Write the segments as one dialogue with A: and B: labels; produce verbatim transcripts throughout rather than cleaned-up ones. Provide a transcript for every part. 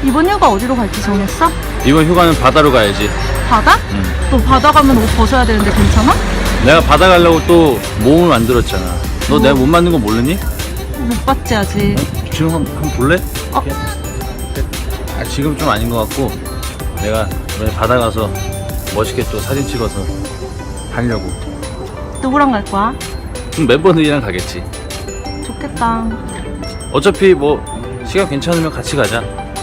A: 이번 휴가 어디로 갈지 정했어?
B: 이번 휴가는 바다로 가야지.
A: 바다?
B: 응.
A: 너 바다 가면 옷 벗어야 되는데 괜찮아?
B: 내가 바다 가려고 또 몸을 만들었잖아. 너
A: 뭐?
B: 내가 몸 만든 거 모르니?
A: 못 봤지 아직.
B: 지금 한, 한번 볼래?
A: 어?
B: 아, 지금 좀 아닌 것 같고 내가 이번에 바다 가서 멋있게 또 사진 찍어서 하려고.
A: 누구랑 갈 거야?
B: 그럼 멤버들이랑 가겠지.
A: 좋겠다.
B: 어차피 뭐 시간 괜찮으면 같이 가자.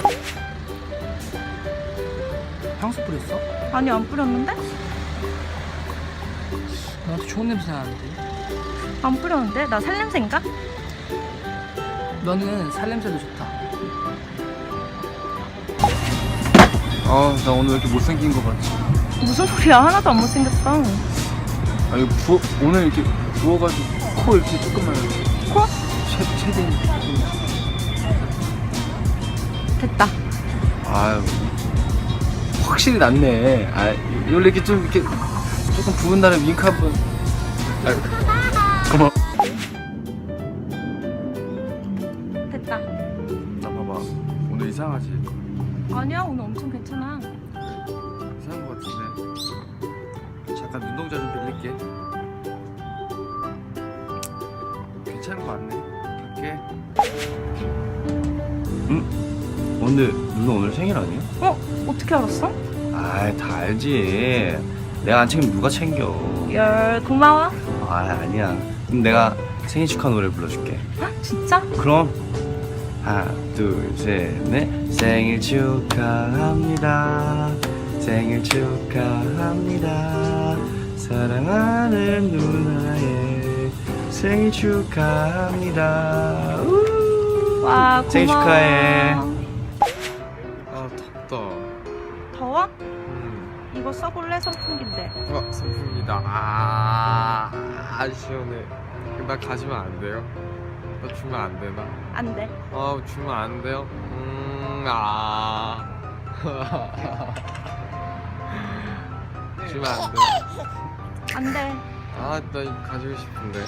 C: 향수 뿌렸어?
A: 아니 안 뿌렸는데?
C: 나한테 좋은 냄새 나는데.
A: 안 뿌렸는데? 나 살냄새인가?
C: 너는 살냄새도 좋다.
D: 아, 나 오늘 왜 이렇게 못생긴 거 같지?
A: 무슨 소리야? 하나도 안 못생겼어.
D: 아, 이거 부어, 오늘 이렇게 부어가지고 코 이렇게 조금만
A: 코?
D: 최, 최대.
A: 됐다.
D: 아유, 확실히 낫네. 아, 원래 이렇게 좀 이렇게 조금 부은 날에 윙크 한 번. 아유, 고마워.
A: 됐다.
D: 나 봐봐. 오늘 이상하지?
A: 아니야 오늘 엄청 괜찮아.
D: 이상한 거 같은데. 잠깐 눈동자 좀 빌릴게. 괜찮은 거 같네. 갈게. 응? 근데 누나 오늘 생일 아니야?
A: 어? 어떻게 알았어?
D: 아이, 다 알지. 내가 안 챙기면 누가 챙겨.
A: 열 고마워.
D: 아, 아니야. 그럼 내가 생일 축하 노래 불러줄게.
A: 아, 진짜?
D: 그럼 하나, 둘, 셋, 넷. 생일 축하합니다. 생일 축하합니다. 사랑하는 누나의 생일 축하합니다. 우!
A: 와 고마워.
D: 생일 축하해. 아, 덥다.
A: 더워?
D: 음.
A: 이거 써볼래? 선풍기인데.
E: 어, 선풍기다. 아, 아, 시원해. 나 가지면 안 돼요? 나 주면 안 되나?
A: 안 돼.
E: 어, 주면 안 돼요? 음, 아. 주면 안 돼.
A: 안 돼.
E: 아, 나 이거 가지고 싶은데.